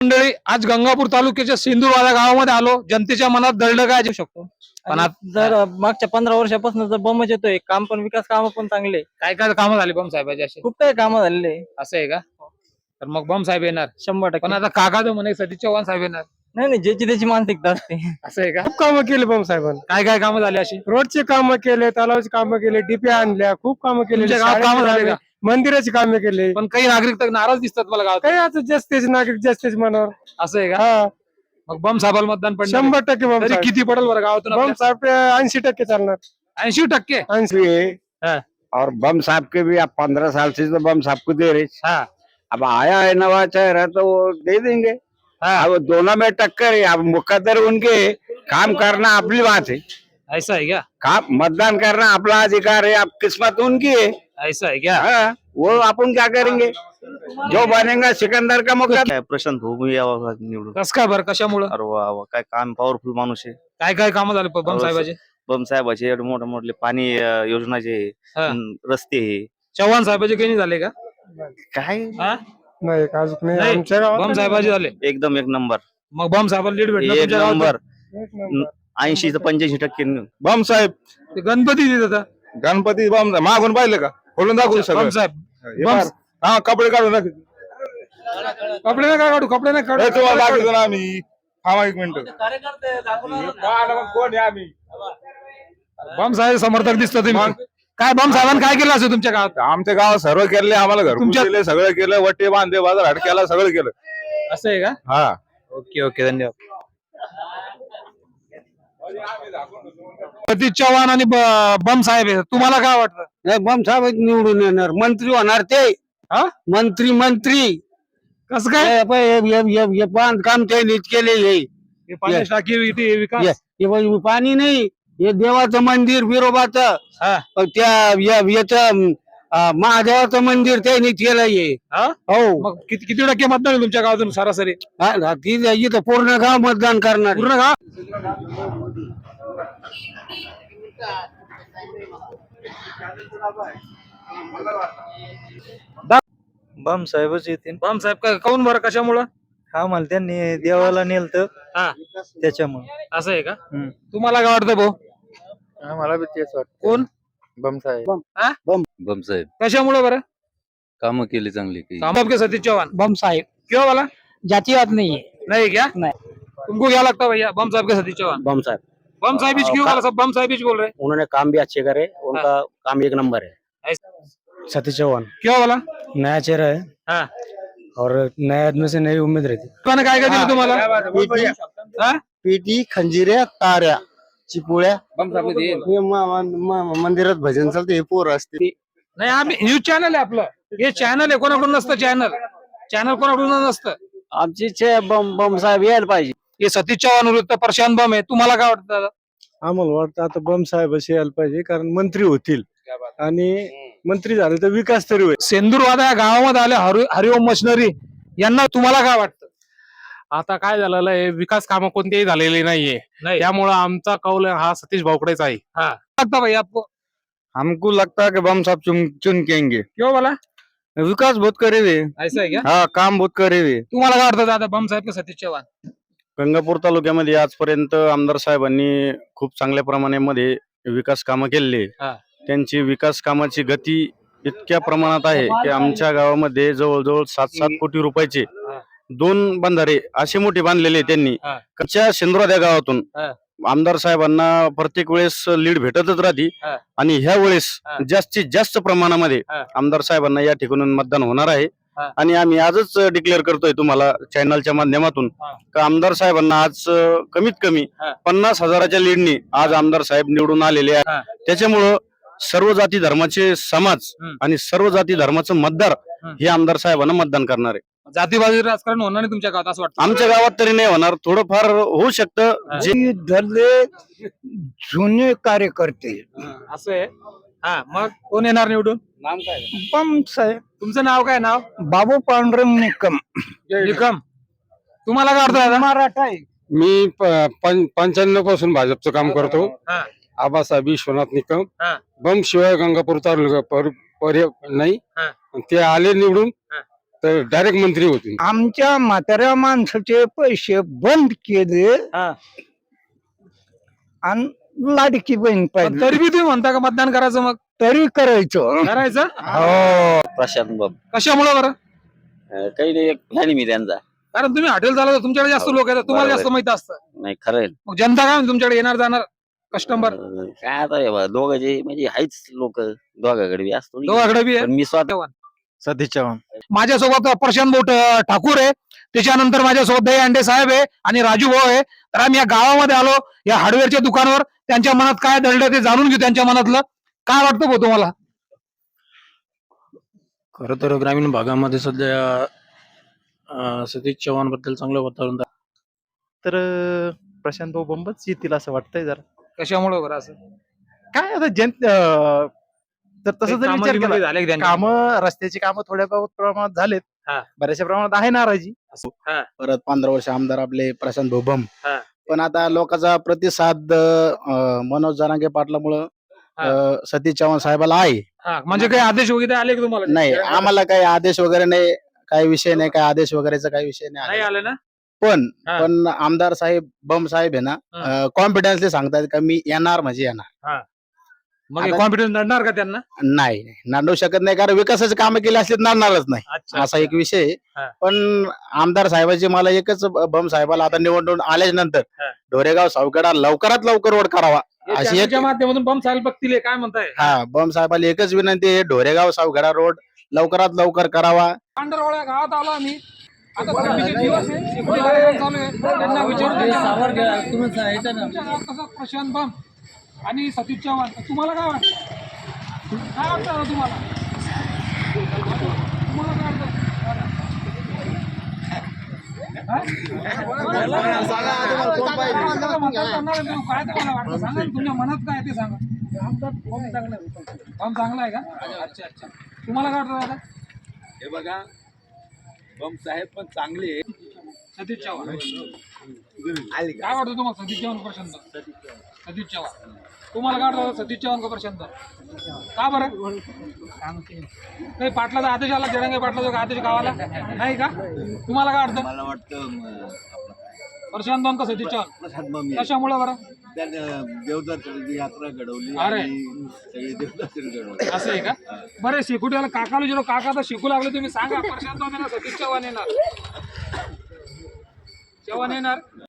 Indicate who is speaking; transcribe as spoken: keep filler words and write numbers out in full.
Speaker 1: मंडळी आज गंगापूर तालुक्याच्या सिंदूरवाडा गावामध्ये आलो. जनतेच्या मनात दडलं काय देऊ शकतो. पण
Speaker 2: आणि
Speaker 1: आता
Speaker 2: जर मागच्या पंधरा वर्षापासून जर बमच येतोय, काम पण विकास काम पण चांगले,
Speaker 1: काय काय कामं झाली बम साहेबाची असे
Speaker 2: खूप काही कामं झालेले,
Speaker 1: असं आहे का? तर मग बम साहेब येणार.
Speaker 2: शंभर
Speaker 1: पण
Speaker 2: टक्के.
Speaker 1: आता काका तो म्हणे सतीश चव्हाण साहेब येणार.
Speaker 2: नाही नाही, ज्याची त्याची मानसिकता असते.
Speaker 1: असं आहे का?
Speaker 3: खूप कामं केले बम साहेबांनी.
Speaker 1: काय काय कामं झाली अशी
Speaker 3: रोडची कामं केले, तलावाची कामं केले, डिप्या आणल्या, खूप कामं केले,
Speaker 1: तुमच्या गावात कामं झाले का?
Speaker 3: मंदिराची कामे केले.
Speaker 1: पण काही नागरिक तर नाराज दिसतात मला गावात.
Speaker 3: काही आता जास्तीच नागरिक जास्तीच मनावर.
Speaker 1: असं आहे का?
Speaker 3: हा
Speaker 1: मग बम साहेबाला मतदान पडणार आहे.
Speaker 3: शंभर टक्के बम
Speaker 1: तरी
Speaker 3: साहेब.
Speaker 1: किती पडेल बरं गावातून
Speaker 3: बम साहेब ऐंशी टक्के चालणार.
Speaker 1: ऐंशी टक्के
Speaker 3: ऐंशी
Speaker 1: हाँ।
Speaker 4: और बम साहब के भी आप पंद्रह साल से तो बम साहब को दे रहे।
Speaker 1: हाँ
Speaker 4: अब आया है नवा चेहरा तो वो दे देंगे।
Speaker 1: हाँ
Speaker 4: अब दोनों में टक्कर है। अब मुकद्दर उनके, काम करना अपनी बात है।
Speaker 1: ऐसा है क्या?
Speaker 4: काम मतदान करना अपना अधिकार है। अब किस्मत उनकी है।
Speaker 1: ऐसा है क्या?
Speaker 4: हाँ, वो अपन क्या करेंगे, जो बनेगा सिकंदर का मुकद्दर।
Speaker 5: काय प्रशांत भोगू यावं निवडून.
Speaker 1: कस काय बरं कशामुळं
Speaker 5: अरे वा वा, काय काम पॉवरफुल माणूस आहे.
Speaker 1: काय काय कामं झाले बम साहेबाचे?
Speaker 5: बम साहेबाचे एवढे मोठे मोठे पाणी अं, योजनाचे
Speaker 1: हा.
Speaker 5: अं, रस्ते हे
Speaker 1: चव्हाण साहेबाचे काही नाही झाले का?
Speaker 5: काय
Speaker 1: हा?
Speaker 3: नाही अजून नाही
Speaker 1: नाही,
Speaker 3: आमच्या गावात
Speaker 1: बम साहेबाचे झाले.
Speaker 5: एकदम एक नंबर,
Speaker 1: मग बम साहेबाला लीड भेटलं
Speaker 5: एक
Speaker 1: तुमच्या गावात?
Speaker 5: नंबर,
Speaker 3: एक नंबर.
Speaker 5: ऐंशी ते पंच्याऐंशी टक्के.
Speaker 6: बम साहेब
Speaker 1: ते गणपती देत होता.
Speaker 6: गणपती बम मागून पाहिलं का, खोलून दाखवू
Speaker 1: बम
Speaker 6: सगळं.
Speaker 1: साहेब
Speaker 6: हे
Speaker 1: बम-
Speaker 6: पार. हा कपडे काढून दाखव.
Speaker 1: कपडे ना काय काढू कपडे ना
Speaker 6: हे तुम्हाला
Speaker 1: काढू
Speaker 6: दाखवतो ना आम्ही. थांबा एक मिनिट. कोण आहे आम्ही?
Speaker 1: बम साहेब समर्थक दिसतो तुम्ही.
Speaker 6: मग?
Speaker 1: काय बम साहेबांनी काय केलं असं तुमच्या गावात?
Speaker 6: आमच्या गावात सर्व केले, आम्हाला घर
Speaker 1: तुमच्या-
Speaker 6: केले, सगळं केलं, वटे बांधे बाजार हाट केला, सगळं केलं.
Speaker 1: असं आहे का?
Speaker 6: हा
Speaker 1: ओके ओके धन्यवाद. सतीश चव्हाण आणि ब- बम साहेब आहे. तुम्हाला काय वाटतं?
Speaker 4: नाही, बम साहेब निवडून येणार, मंत्री होणार ते.
Speaker 1: हा?
Speaker 4: मंत्री मंत्री
Speaker 1: कसं काय?
Speaker 4: बांधकाम त्यांनीच केलेले.
Speaker 1: हे पाण्याची टाकी इथे विकास
Speaker 4: हे बघ, पाणी नाही, हे देवाचं मंदिर बिरोबाचं,
Speaker 1: हा.
Speaker 4: त्या या- याचं अं, महादेवाचं मंदिर त्यांनी केलं हे.
Speaker 1: हा?
Speaker 4: हो,
Speaker 1: मग किती किती टक्के मतदान आहे तुमच्या गावातून सरासरी?
Speaker 4: हा, ती इथं पूर्ण गाव मतदान करणार.
Speaker 1: पूर्ण गाव
Speaker 2: बम साहेबच येतील.
Speaker 1: बम साहेब का काऊन बरं कशामुळं?
Speaker 2: हा, मला त्यांनी देवाला नेलत
Speaker 1: हा
Speaker 2: त्याच्यामुळे.
Speaker 1: असं आहे का?
Speaker 2: हम्म.
Speaker 1: तुम्हाला काय वाटतं भाऊ?
Speaker 3: मला बी तेच वाटतं.
Speaker 1: कोण
Speaker 3: बम साहेब.
Speaker 7: बम साहेब
Speaker 1: कशामुळे बरं?
Speaker 7: कामं केली चांगली की
Speaker 1: काम आपके सतीश चौहान
Speaker 2: बम साहेब
Speaker 1: क्यों वाला
Speaker 2: जातीवाद नाहीये.
Speaker 1: नहीं क्या?
Speaker 2: नहीं.
Speaker 1: तुमको क्या लगता है भैया बम साहब के सतीश चौहान?
Speaker 4: बम साहब
Speaker 1: बम साहब ही क्यों वाला सब बम साहब ही बोल रहे हैं?
Speaker 4: उन्होंने काम भी अच्छे करे, उनका काम एक नंबर है।
Speaker 1: ऐसा-
Speaker 3: सतीश चव्हाण
Speaker 1: क्यों वाला?
Speaker 3: नया चेहरा है
Speaker 1: हाँ
Speaker 3: और नए आदमी से नई उम्मीद रहती.
Speaker 1: कोणाने काय काय दिलं तुम्हाला? हा?
Speaker 4: पेटी, खंजिऱ्या, ताऱ्या, चिपोळ्या, हे म- म- मंदिरात भजन चालते, हे पोर असते.
Speaker 1: नाही आम्ही न्यूज चॅनल आहे आपलं. हे चॅनल आहे, कोणाकडून नसतं चॅनल. चॅनल कोणाकडून नसतं.
Speaker 4: आमची इच्छा आहे बम बम साहेब यायला पाहिजे.
Speaker 1: हे सतीश चव्हाण विरुद्ध प्रशांत बम आहे. तुम्हाला काय वाटतं दादा?
Speaker 3: आम्हाला वाटतं आता बम साहेब असे यायला पाहिजे, कारण मंत्री होतील आणि मंत्री झाले तर विकास तरी होईल.
Speaker 1: सेंदूरवादा या गावामध्ये आले हरि हरिओम मशिनरी यांना तुम्हाला काय वाटतं?
Speaker 8: आता काय झालेलं आहे, विकास कामं कोणतेही झालेली नाहीये,
Speaker 1: नाही
Speaker 8: त्यामुळे आमचा कौल हा सतीश भाऊकडेच आहे.
Speaker 1: लगता भाई आपको?
Speaker 4: हमको लगता है कि बम साहब चुन चुन केंगे.
Speaker 1: क्यों वाला?
Speaker 4: विकास बहुत करे हुए,
Speaker 1: ऐसा है क्या?
Speaker 4: हा काम बहुत करे हुए.
Speaker 1: तुम्हाला काय वाटतं दादा बम साहेब का सतीश चव्हाण?
Speaker 5: गंगापूर तालुक्यामध्ये आजपर्यंत आमदार साहेबांनी खूप चांगल्या प्रमाणामध्ये विकास कामं केलेली
Speaker 1: हा.
Speaker 5: आहे. त्यांची विकास कामाची गती इतक्या प्रमाणात आहे की आमच्या गावामध्ये जवळजवळ सात सात कोटी रुपयाचे दोन बंधारे असे मोठे बांधलेले आहे त्यांनी.
Speaker 1: हा.
Speaker 5: कच्च्या सिंदुराद्या गावातून
Speaker 1: हा.
Speaker 5: आमदार साहेबांना प्रत्येक वेळेस लीड भेटतच राहते
Speaker 1: हा.
Speaker 5: आणि ह्या वेळेस
Speaker 1: हा.
Speaker 5: जास्तीत जास्त प्रमाणामध्ये
Speaker 1: हा.
Speaker 5: आमदार साहेबांना या ठिकाणून मतदान होणार आहे.
Speaker 1: हा.
Speaker 5: आणि आम्ही आजच डिक्लेअर करतोय तुम्हाला चॅनलच्या माध्यमातून
Speaker 1: हा.
Speaker 5: का आमदार साहेबांना आज अं, कमीत कमी
Speaker 1: हा.
Speaker 5: पन्नास हजाराच्या लीडनी आज आमदार साहेब निवडून आलेले
Speaker 1: हा.
Speaker 5: आहे. त्याच्यामुळं सर्व जाती धर्माचे समाज
Speaker 1: हम्म.
Speaker 5: आणि सर्व जाती धर्माचं मतदार
Speaker 1: हम्म.
Speaker 5: हे आमदार साहेबांना मतदान करणार आहे.
Speaker 1: जातीवादी राजकारण होणार नाही तुमच्या गावात असं वाटतं?
Speaker 5: आमच्या गावात तरी नाही होणार, थोडंफार होऊ शकतं. जे
Speaker 4: धरले जुने कार्यकर्ते
Speaker 1: असं आहे. हा मग कोण येणार निवडून?
Speaker 4: बम साहेब,
Speaker 1: तुमचं नाव काय? नाव
Speaker 4: बाबू पांडुरंग निकम.
Speaker 1: निकम. तुम्हाला काय वाटतं दादा?
Speaker 4: मराठा आहे.
Speaker 3: मी पंच्याण्णव पासून भाजपचं काम करतो.
Speaker 1: हा.
Speaker 3: आबासाहेब विश्वनाथ निकम.
Speaker 1: हा.
Speaker 3: बम शिवाय गंगापूर तालुका पर- पर्य नाही.
Speaker 1: हा.
Speaker 3: ते आले निवडून
Speaker 1: हा.
Speaker 6: तर डायरेक्ट मंत्री होतील.
Speaker 9: आमच्या म्हाताऱ्या माणसाचे पैसे बंद केले
Speaker 2: हा.
Speaker 9: आणि लाडकी बहीण
Speaker 1: पण
Speaker 9: पाहिजे
Speaker 1: तरी बी तुम्ही म्हणता का मतदान करायचं मग
Speaker 9: तरी करायचं
Speaker 1: करायचं
Speaker 9: हो
Speaker 10: प्रशांत बाब
Speaker 1: कशामुळे बरं?
Speaker 10: अं, काही नाही, एक प्लॅन मी त्यांचा
Speaker 1: कारण तुम्ही हॉटेल चालवता, तुमच्याकडे जास्त
Speaker 10: हो,
Speaker 1: लोक येतात, तुम्हाला जास्त
Speaker 10: बरोबर.
Speaker 1: माहित असतं.
Speaker 10: नाही खरं आहे.
Speaker 1: मग जनता काय म्हणते तुमच्याकडे येणार जाणार कस्टमर?
Speaker 10: अं, काय आता हे बघा, दोघांचे म्हणजे आहेच लोक दोघांकडे बी असतो
Speaker 1: दोघांकडे बी आहे.
Speaker 10: पण मी स्वतः
Speaker 2: सतीश चव्हाण.
Speaker 1: माझ्यासोबत प्रशांत बोट ठाकूर आहे, त्याच्यानंतर माझ्यासोबत दही अंडे साहेब आहे आणि राजू भाऊ आहे. तर आम्ही या गावामध्ये आलो, या हार्डवेअरच्या दुकानावर. त्यांच्या मनात काय दडलं ते जाणून घेऊ, त्यांच्या मनातलं काय वाटतं भाऊ तुम्हाला?
Speaker 2: खर तर ग्रामीण भागामध्ये सध्या अं, सतीश चव्हाण बद्दल चांगलं वातावरण आहे.
Speaker 11: तर अं, प्रशांत भाऊ बंबच येतील असं वाटतंय जरा.
Speaker 1: कशामुळे बरं असं?
Speaker 11: काय आता जन अं, तर तसं जर
Speaker 1: कामं
Speaker 11: विचार
Speaker 1: बिमं
Speaker 11: केला
Speaker 1: झाले का त्यांचे?
Speaker 11: काम रस्त्याची कामं थोड्या बहुत प्रमाणात झालेत,
Speaker 1: हा.
Speaker 11: बऱ्याचशा प्रमाणात आहे नाराजी.
Speaker 4: परत पंधरा वर्ष आमदार आपले प्रशांत भोबम.
Speaker 1: हा.
Speaker 4: पण आता लोकांचा प्रतिसाद अं, मनोज जरांगे पाटलामुळं अं, सतीश चव्हाण साहेबाला आहे.
Speaker 1: हा, म्हणजे काही आदेश वगैरे आले का तुम्हाला?
Speaker 4: नाही आम्हाला काही आदेश वगैरे नाही, काही विषय नाही, काही आदेश वगैरेचा काही विषय नाही
Speaker 1: नाही
Speaker 4: आलेला.
Speaker 1: आले ना?
Speaker 4: पण
Speaker 1: हा.
Speaker 4: पण आमदार साहेब बम साहेब आहे
Speaker 1: हा.
Speaker 4: ना, कॉन्फिडन्सली सांगतात का मी येणार म्हणजे येणार.
Speaker 1: मग
Speaker 4: आता-
Speaker 1: कॉन्फिडन्स नडणार का त्यांना?
Speaker 4: नाही नाही, नांदू शकत नाही, कारण विकासाचे कामं केले असले तर नांदणारच नाही,
Speaker 1: अच्छा,
Speaker 4: असा एक विषय आहे.
Speaker 1: हा.
Speaker 4: पण आमदार साहेबाची मला एकच बम साहेबाला आता निवडून आल्याच्या नंतर
Speaker 1: हा.
Speaker 4: ढोरेगाव सावकडा लवकरात लवकर रोड करावा
Speaker 1: हे
Speaker 4: अशी एक
Speaker 1: चॅनलच्या माध्यमातून बम चाल बघतील, हे काय म्हणताय?
Speaker 4: हा बम साहेबाला एकच विनंती आहे, ढोरेगाव सावगडा रोड लवकरात लवकर करावा.
Speaker 1: पांढरवाड्या गावात आलो आम्ही. आता थंडीचे दिवस आहे, शेकोटी कार्यक्रम चालू आहे. त्यांना विचारून तुमच्या गावात कसं प्रशांत बम आणि सतीश चव्हाण, तुम्हाला काय वाटतं? काय वाटतं आता तुम्हाला? तुम्हाला काय वाटतं? हा? आता मतदान करणार आहे तुम्ही, काय तुम्हाला वाटतं सांगा ना, तुमच्या मनात काय आहे ते सांगा. बम चांगला आहे. बम चांगला आहे का? अच्छा अच्छा, तुम्हाला काय वाटतं दादा?
Speaker 6: हे बघा, बम साहेब पण चांगले.
Speaker 1: सतीश चव्हाण काय वाटतं तुम्हाला? सतीश चव्हाण का प्रशांत? सतीश चव्हाण. तुम्हाला काय वाटतं सतीश चव्हाण का प्रशांत? का बरं? काही पाटलाचा आदेश आला, जरंगे पाटलाचा आदेश गावाला नाही का? तुम्हाला काय वाटतं?
Speaker 7: मला वाटतं
Speaker 1: प्रशांत बम का सतीश चव्हाण? कशामुळे बरं?
Speaker 7: देवदर्शनाची यात्रा घडवली
Speaker 1: अरे.
Speaker 7: सगळी देवदर्शन घडवली.
Speaker 1: असं आहे का? बरं, शेकुटीला काकाला जेव्हा काका तर शिकू लागले, तुम्ही सांगा प्रशांत बम येणार, सतीश चव्हाण येणार? चव्हाण येणार?